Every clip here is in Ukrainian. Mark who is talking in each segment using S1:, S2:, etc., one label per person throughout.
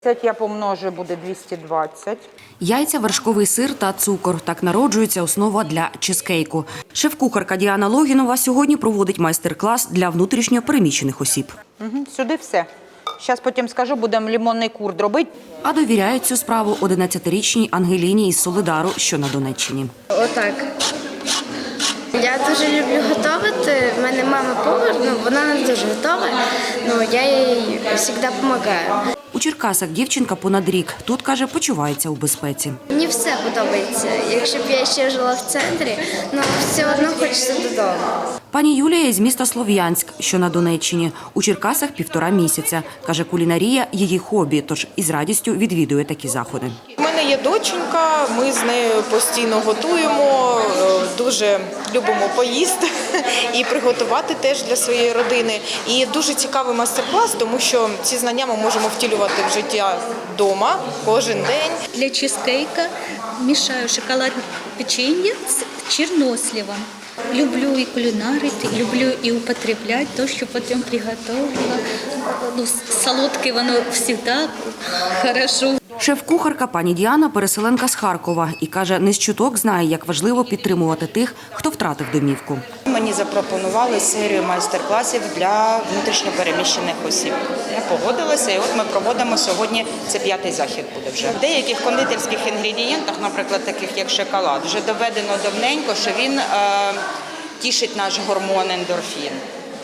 S1: Я помножу, буде 220.
S2: Яйця, вершковий сир та цукор – так народжується основа для чизкейку. Шеф-кухарка Діана Логінова сьогодні проводить майстер-клас для внутрішньо переміщених осіб.
S1: Сюди все. Зараз потім скажу, будемо лимонний курд робити.
S2: А довіряють цю справу 11-річній Ангеліні із Солидару, що на Донеччині.
S3: Отак. Я дуже люблю готувати. В мене мама повар, вона не дуже готова, я їй завжди допомагаю.
S2: У Черкасах дівчинка понад рік. Тут, каже, почувається у безпеці.
S3: Мені все подобається. Якщо б я ще жила в центрі, все одно хочеться додому.
S2: Пані Юлія із міста Слов'янськ, що на Донеччині. У Черкасах 1,5 місяця. Каже, кулінарія – її хобі, тож із радістю відвідує такі заходи.
S4: У мене є доченька, ми з нею постійно готуємо, дуже любимо поїсти і приготувати теж для своєї родини. І дуже цікавий майстер-клас, тому що ці знання ми можемо втілювати в життя вдома кожен день.
S5: Для чизкейка мешаю шоколадное печенье с черносливом. Люблю и кулинарить, люблю и употреблять то, что потом приготовила. Солодкое оно всегда хорошо.
S2: Шеф-кухарка пані Діана – переселенка з Харкова і, каже, не з чуток знає, як важливо підтримувати тих, хто втратив домівку.
S6: Мені запропонували серію майстер-класів для внутрішньопереміщених осіб. Я погодилася, і от ми проводимо сьогодні, це 5-й захід буде вже. В деяких кондитерських інгредієнтах, наприклад, таких як шоколад, вже доведено давненько, що він тішить наш гормон ендорфін.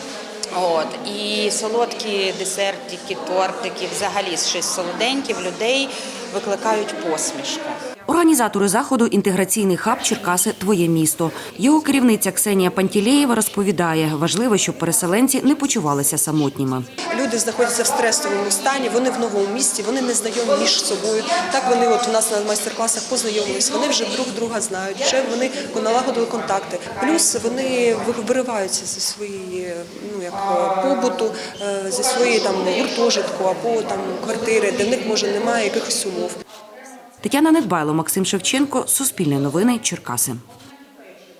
S6: І солодкі десертики, тортики, взагалі щось солоденьке в людей викликають посмішку.
S2: Організатори заходу «Інтеграційний хаб Черкаси – твоє місто». Його керівниця Ксенія Пантілеєва розповідає, важливо, щоб переселенці не почувалися самотніми.
S7: Люди знаходяться в стресовому стані, вони в новому місті, вони не знайомі між собою. Так вони у нас на майстер-класах познайомились, вони вже друг друга знають, вже вони налагодили контакти. Плюс вони вириваються зі своєї побуту, зі своєї гуртожитку або квартири, де в них, може, немає якихось умов.
S2: Тетяна Недбайло, Максим Шевченко, Суспільне новини, Черкаси.